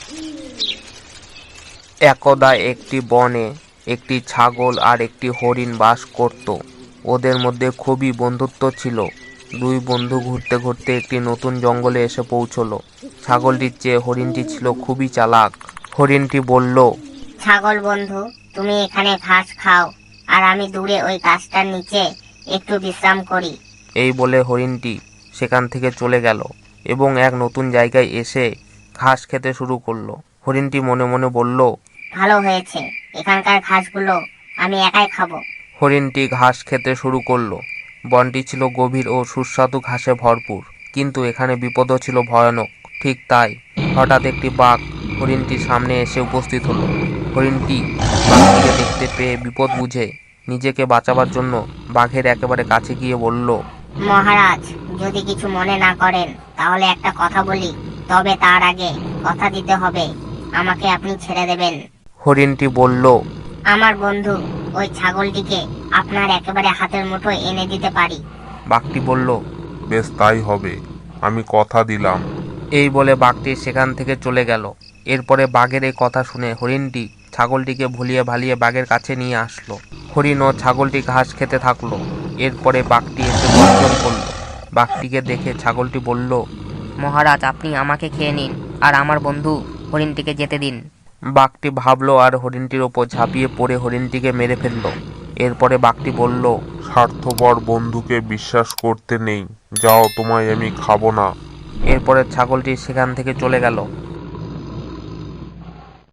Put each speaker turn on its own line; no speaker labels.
একদা একটি বনে একটি ছাগল আর একটি হরিণ বাস করত। ওদের মধ্যে খুবই বন্ধুত্ব ছিল। দুই বন্ধু ঘুরতে ঘুরতে একটি নতুন জঙ্গলে এসে পৌঁছলো। ছাগলটির চেয়ে হরিণটি ছিল খুবই চালাক। হরিণটি বলল,
ছাগল বন্ধু, তুমি এখানে ঘাস খাও, আর আমি দূরে ওই গাছটার নিচে একটু বিশ্রাম করি।
এই বলে হরিণটি সেখান থেকে চলে গেল এবং এক নতুন জায়গায় এসে ঘাস খেতে শুরু করলো। হরিণটি মনে মনে বলল,
ভালো হয়েছে, এখানকার ঘাসগুলো আমি একাই খাবো।
হরিণটি ঘাস খেতে শুরু করলো। বনটি ছিল গভীর ও সুস্বাদু ঘাসে ভরপুর, কিন্তু এখানে বিপদও ছিল ভয়ানক। ঠিক তাই হঠাৎ একটি বাঘ হরিণটির সামনে এসে উপস্থিত হলো। হরিণটি বাঘটিকে দেখতে পেয়ে বিপদ বুঝে নিজেকে বাঁচাবার জন্য বাঘের একেবারে কাছে গিয়ে বলল,
মহারাজ, যদি কিছু মনে না করেন তাহলে একটা কথা বলি, তবে তার আগে কথা দিতে হবে আমাকে আপনি ছেড়ে দেবেন।
হরিণটি বলল,
আমার বন্ধু ওই ছাগলটিকে আপনার একেবারে হাতের মুঠোয় এনে দিতে পারি।
বাঘটি বলল,
বেশ, তাই হবে, আমি কথা দিলাম।
এই বলে বাঘটি সেখান থেকে চলে গেল। এরপরে বাঘের এই কথা শুনে হরিণটি ছাগলটিকে ভুলিয়ে ভালিয়ে বাঘের কাছে নিয়ে আসলো। হরিণ ও ছাগলটি ঘাস খেতে থাকলো। এরপরে বাঘটি এসে গর্জন করলো। বাঘটিকে দেখে ছাগলটি বলল,
মহারাজ, আপনি আমাকে খেয়ে নিন, আর আমার বন্ধু হরিণটিকে যেতে দিন।
বাঘটি ভাবলো আর হরিণটির ওপর ঝাঁপিয়ে পড়ে হরিণটিকে মেরে ফেললো। এরপরে বাঘটি বলল,
স্বার্থপর বন্ধুকে বিশ্বাস করতে নেই, যাও, তোমায় আমি খাবো না।
এরপরে ছাগলটি সেখান থেকে চলে গেল।